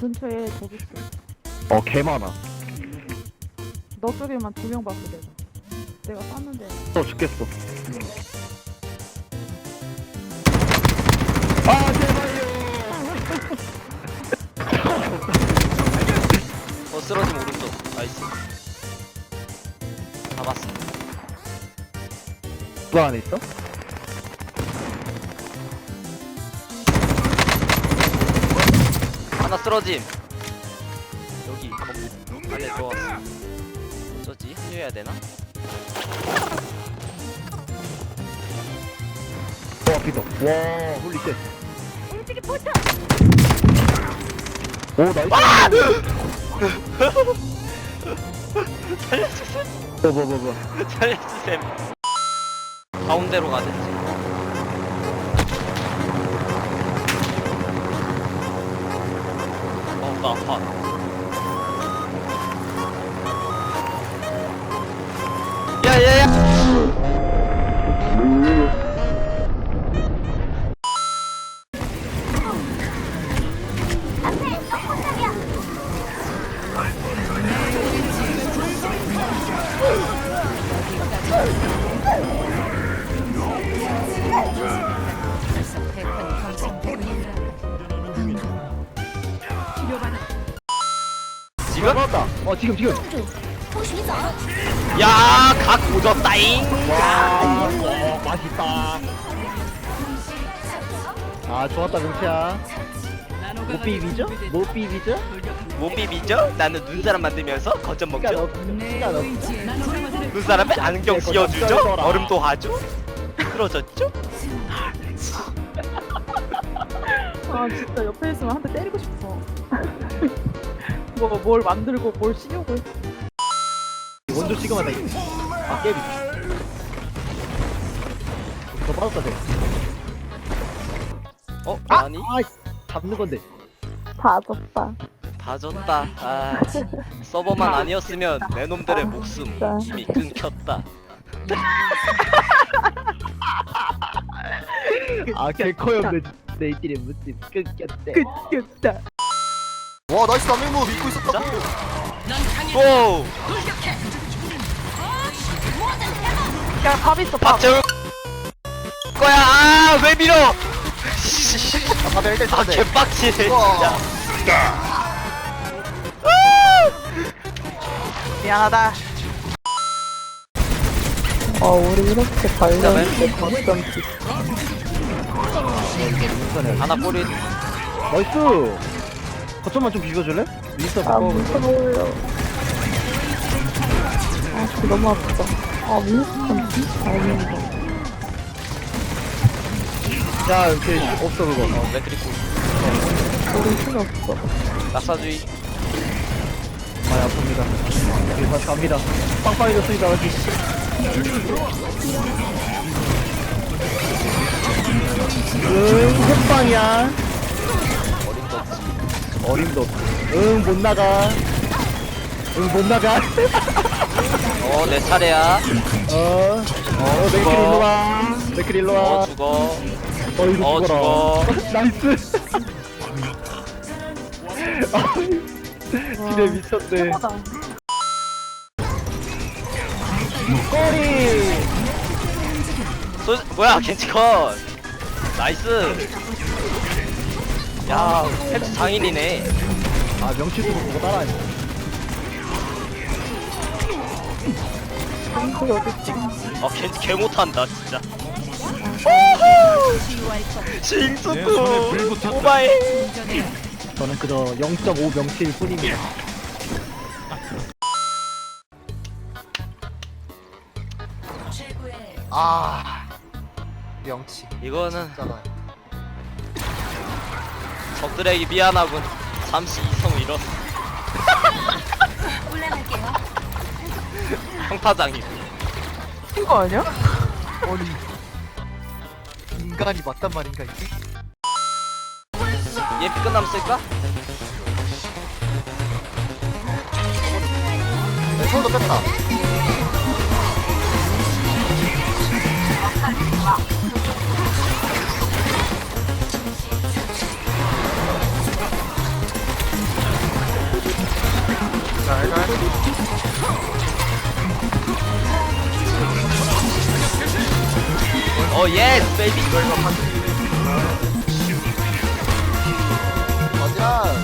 근처에 저기 있어. 개 많아. 너 쪽에만 2명 봤어 내가 쐈는데. 죽겠어. 아 제발요. 쓰러짐 오른쪽. 나이스. 잡았어. 그 안에 있어? 하나 쓰러짐. 여기 안에 들어왔어. 어쩌지? 합류해야 되나? 앞이다. 와 홀리쉣. 오 나이스. 살려주셈. 뭐. 살려주셈. 가운데로 가든지. 나 아파. 야야야. 지금? 들어갔다. 지금. 야, 각 오졌다잉. 와 맛있다. 아 좋았다 명태야. 못 비비죠? 못 비비죠? 못 비비죠? 나는 눈사람 만들면서 거점 먹죠. 시간 없. 눈사람에 안경 씌워주죠. 얼음도 하죠. 틀어졌죠? 아 진짜 옆에 있으면 한 대 때리고 싶어. 뭘 만들고 뭘 씌우고. 원조 지금하다. 아 깨비. 더 빠졌다 돼. 아니? 잡는 건데. 다 졌다. 다 졌다. 아, 서버만 아니었으면 내 놈들의 목숨 진짜. 이미 끊겼다. 개커였네. 내일끼리 무슨 끊겼대. 끝겠다. 와 나이스 남맹무 믿고 진짜? 있었다고. 오! 야밥 있어 밥. 밥 재울 거야. 아, 왜 밀어? 다들 일단 아, 쳐야 돼. 개빡치네 우와. 진짜. 미안하다. 우리 이렇게 관련된 거점지. 하나 꼬리. 나이스. 거점만 좀 비벼줄래? 윈스터 무슨 어울려. 진짜 너무 아프다. 윈스턴 진짜 잘 먹는다. 야 이렇게 없어 그거. 맥크리코. 우리 힘이 없어. 낙사주의. 많이 아픕니다. 이제 다시 갑니다. 빵빵해졌습니다. 다시. 햇빵이야. 어림도 없지. 어림도 없어. 못 나가. 못 나가. 내 차례야. 맥클 일로 와. 맥클 일로 와. 죽어. 이거 죽어라. 죽어. 나이스. 기대 미쳤네. 최고다. 꼬리. 뭐야, 겐지컷. 나이스. 야, 펜스 장인이네. 명치도 보고 따라하네. 거기 어딨지? 겐지 개 못한다 진짜. 싱스쿠 오바이. 저는 그저 0.5 명치일 뿐입니다. 아 명치. 이거는 진짜다. 적들에게 미안하군. 잠시 이성을 잃었어. 평타장이. 이거 아니야? 아니 인간이 맞단 말인가 이게? 얘 끝나면 쓸까? 네, 손도 뺐다. 자 일단 어 예스 베이비. 이거 이거 파트 어디야